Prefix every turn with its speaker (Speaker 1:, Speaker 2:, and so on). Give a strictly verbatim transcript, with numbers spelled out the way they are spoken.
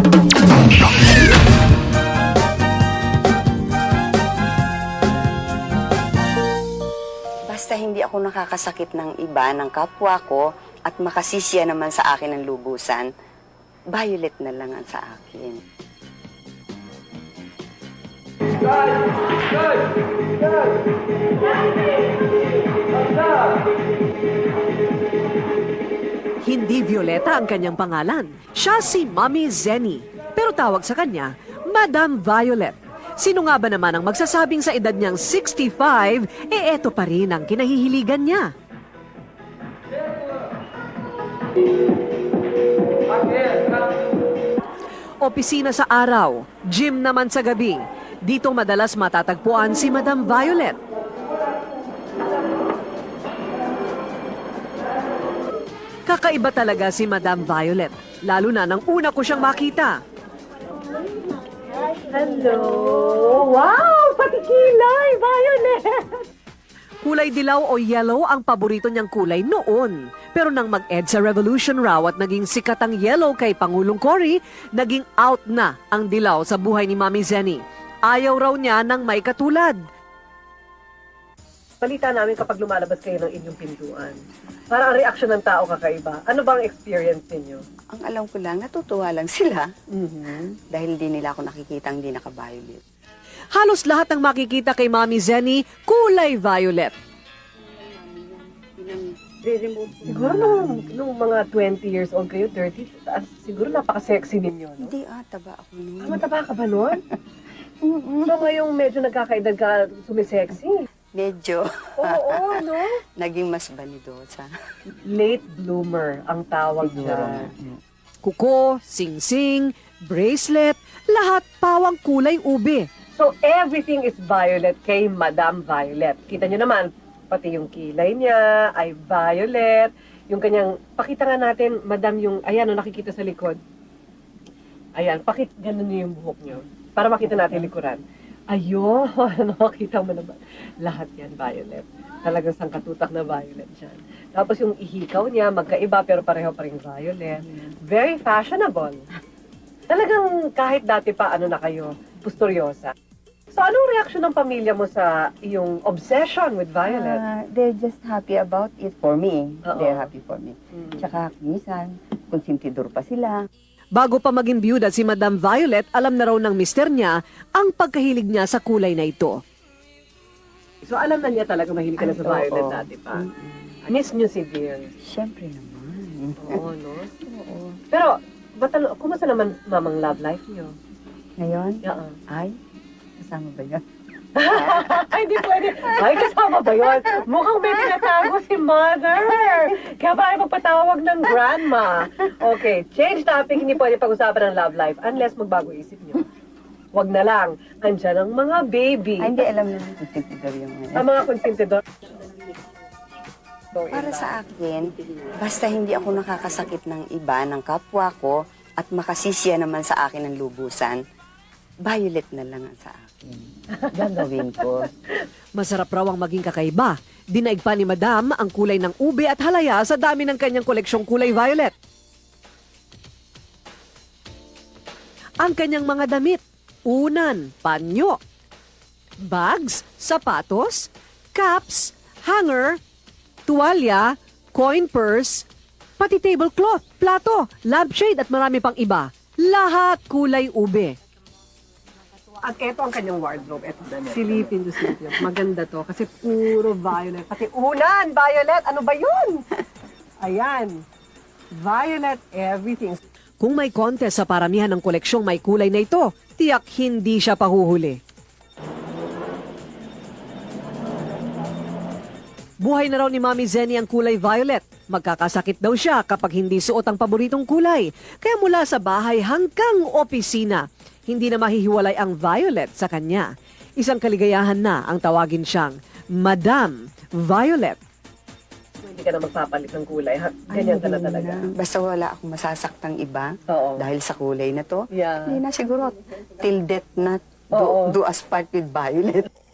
Speaker 1: Basta hindi ako nakakasakit ng iba, ng kapwa ko, at makasisya naman sa akin ang lubusan, violet na lang ang sa akin.
Speaker 2: Hindi Violeta ang kanyang pangalan. Siya si Mommy Zenny. Pero tawag sa kanya, Madam Violet. Sino nga ba naman ang magsasabing sa edad niyang sixty-five, eh eto pa rin ang kinahihiligan niya? Opisina sa araw, gym naman sa gabi. Dito madalas matatagpuan si Madam Violet. Kakaiba talaga si Madam Violet, lalo na nang una ko siyang makita.
Speaker 3: Hello! Wow! Pati kilay! Violet!
Speaker 2: Kulay dilaw o yellow ang paborito niyang kulay noon. Pero nang mag-EDSA Revolution raw at naging sikat ang yellow kay Pangulong Cory, naging out na ang dilaw sa buhay ni Mommy Zenny. Ayaw raw niya ng may katulad.
Speaker 3: Balita namin kapag lumalabas kayo ng inyong pintuan. Para ang reaksyon ng tao kakaiba. Ano bang experience ninyo?
Speaker 1: Ang alam ko lang, natutuwa lang sila.
Speaker 3: Mm-hmm.
Speaker 1: Dahil hindi nila ako nakikita hindi naka-violet.
Speaker 2: Halos lahat ng makikita kay Mommy Zenny, kulay violet.
Speaker 3: Siguro nung, nung mga twenty years old kayo, thirty, taas, siguro napaka-sexy ninyo, no?
Speaker 1: Hindi ah, taba ako noon.
Speaker 3: Ah, mataba ka ba nun? So ngayong medyo nagkakaedad ka, sumisexy.
Speaker 1: Medyo
Speaker 3: Oo, no?
Speaker 1: naging mas banidosa.
Speaker 3: Late bloomer ang tawag
Speaker 1: Siguro.
Speaker 3: dyan.
Speaker 2: Kuko, sing-sing, bracelet, lahat pawang kulay ube.
Speaker 3: So everything is violet kay Madam Violet. Kita nyo naman, pati yung kilay niya ay violet. Yung kanyang, pakita nga natin, Madam, yung, ayan, no, nakikita sa likod. Ayan, pakit, ganun niyo yung buhok niyo. Para makita natin likuran. Ayun, nakakita mo naman. Lahat yan violet. Talagang sangkatutak na violet dyan. Tapos yung ihikaw niya, magkaiba pero pareho pa rin violet. Very fashionable. Talagang kahit dati pa, ano na kayo, pusturyosa. So anong reaksyon ng pamilya mo sa iyong obsession with violet?
Speaker 1: Ah, they're just happy about it for me.
Speaker 3: Oo.
Speaker 1: They're happy for me.
Speaker 3: Mm.
Speaker 1: Tsaka minsan, konsentidor pa sila.
Speaker 2: Bago pa maging byuda si Madam Violet, alam na raw ng mister niya ang pagkahilig niya sa kulay na ito.
Speaker 3: So alam na niya talaga mahilig ka na sa
Speaker 1: Ay,
Speaker 3: violet
Speaker 1: oo.
Speaker 3: dati pa. Miss niyo si Dear.
Speaker 1: Siyempre naman.
Speaker 3: Oo, no?
Speaker 1: Oo.
Speaker 3: Pero, batalo, kumusta naman mamang love life niyo?
Speaker 1: Ngayon,
Speaker 3: Oo.
Speaker 1: ay, kasama ba yan?
Speaker 3: Ay, di pwede. Ay, kasama ba yun? Mukhang may tinatago si mother. Kaya ba ay magpatawag ng grandma? Okay, change topic. Hindi pwede pag-usapan ng love life unless magbago isip niyo. Wag na lang. Andyan ang mga baby.
Speaker 1: Ay, hindi alam naman konsentidor yung ngayon.
Speaker 3: Ang mga konsentidor.
Speaker 1: Para sa akin, basta hindi ako nakakasakit ng iba, ng kapwa ko, at makasisya naman sa akin ang lubusan, violet na lang ang sa akin. Gagawin ko.
Speaker 2: Masarap raw ang maging kakaiba. Dinaig pa ni Madam ang kulay ng ube at halaya sa dami ng kanyang koleksyong kulay violet. Ang kanyang mga damit, unan, panyo, bags, sapatos, caps, hanger, tuwalya, coin purse, pati tablecloth, plato, lampshade at marami pang iba. Lahat kulay ube.
Speaker 3: At eto ang kanyang wardrobe. Eto, silipin nyo, silipin. Maganda to kasi puro violet. Pati unan, violet. Ano ba yun? Ayan. Violet everything.
Speaker 2: Kung may contest sa paramihan ng koleksyong may kulay na ito, tiyak hindi siya pahuhuli. Buhay na raw ni Mommy Zenny ang kulay violet. Magkakasakit daw siya kapag hindi suot ang paboritong kulay. Kaya mula sa bahay hanggang opisina, hindi na mahihiwalay ang violet sa kanya. Isang kaligayahan na ang tawagin siyang Madam Violet.
Speaker 3: Hindi ka na magpapalit ng kulay. Ha? Ganyan ka na talaga.
Speaker 1: Basta wala akong masasaktang iba
Speaker 3: Oo.
Speaker 1: dahil sa kulay na to.
Speaker 3: Yeah.
Speaker 1: Hindi na siguro. Till death na
Speaker 3: Oo.
Speaker 1: do, do us part with violet.